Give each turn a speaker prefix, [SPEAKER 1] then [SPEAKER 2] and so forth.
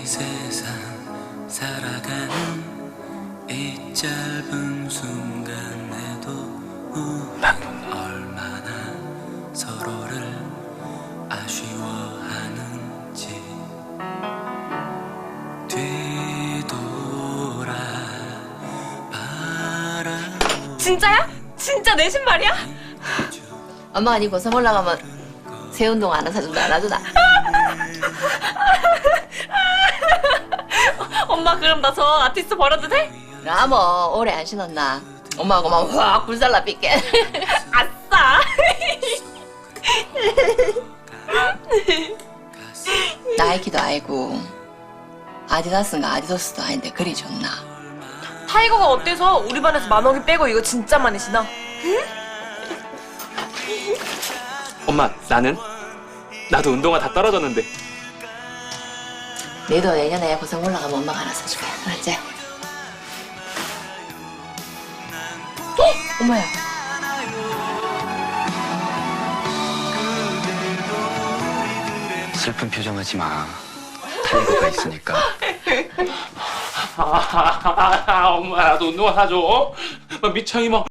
[SPEAKER 1] 이 세상 살아가는 이 짧은 순간에도 우린 얼마나 서로를 아쉬워하는지 뒤돌아 바라보고
[SPEAKER 2] 진짜야? 진짜 내 신발이야?
[SPEAKER 3] 엄마가 니 고성 올라가면 새 운동 안 사준다 안 하주나?
[SPEAKER 2] 엄마 그럼 나 저 아티스트 버려도 돼?
[SPEAKER 3] 나 뭐 오래 안 신었나? 엄마하고 막 확 불살라 삐게.
[SPEAKER 2] 아싸!
[SPEAKER 3] 나이키도 아니고 아디다스인가 아디도스도 아닌데 그리 좋나?
[SPEAKER 2] 타이거가 어때서 우리 반에서 만원이 빼고 이거 진짜 많이 신어?
[SPEAKER 4] 엄마, 나도 운동화 다 떨어졌는데.
[SPEAKER 3] 너도 내년에 고성 올라가면 엄마가 하나 사줄게. 알았지? 엄마야.
[SPEAKER 1] 슬픈 표정하지 마. 타이거가 있으니까.
[SPEAKER 4] 엄마, 나도 운동화 사줘. 미창이 막